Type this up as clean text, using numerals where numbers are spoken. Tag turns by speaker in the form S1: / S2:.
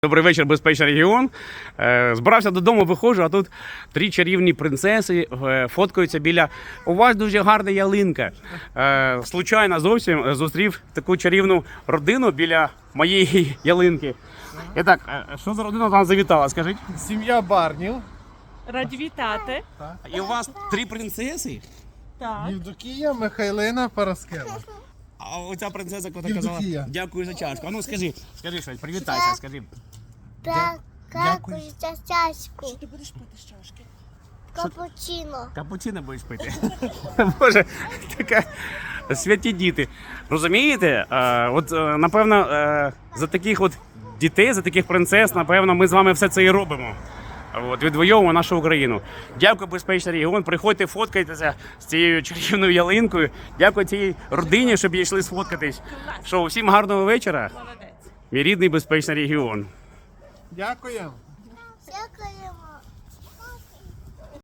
S1: Добрий вечір, безпечний регіон. Збирався додому, виходжу, а тут три чарівні принцеси фоткаються біля... У вас дуже гарна ялинка. Случайно зовсім зустрів таку чарівну родину біля моєї ялинки. І так, що за родина там завітала, скажіть?
S2: Сім'я Барнів.
S3: Раді вітати.
S1: І у вас три принцеси?
S3: Так.
S2: Євдокія, Михайлина, Параскева.
S1: А оця принцеса, яка казала,
S2: Євдокія.
S1: дякую за чашку. А ну скажи щось, привітайся, скажи.
S4: Так, дякую за чашку.
S3: Ти будеш пити з чашки?
S4: Капучино.
S1: Капучино будеш пити. Боже, така святі діти. Розумієте? Напевно, за таких от дітей, за таких принцес, напевно, ми з вами все це і робимо. Відвоюємо нашу Україну. Дякую, безпечний регіон. Приходьте, фоткайтеся з цією чарівною ялинкою. Дякую цій родині, щоб йшли сфоткатись. Що, усім гарного вечора.
S3: Молодець.
S1: Мій рідний безпечний регіон.
S2: Дякуємо.
S4: Дякуємо.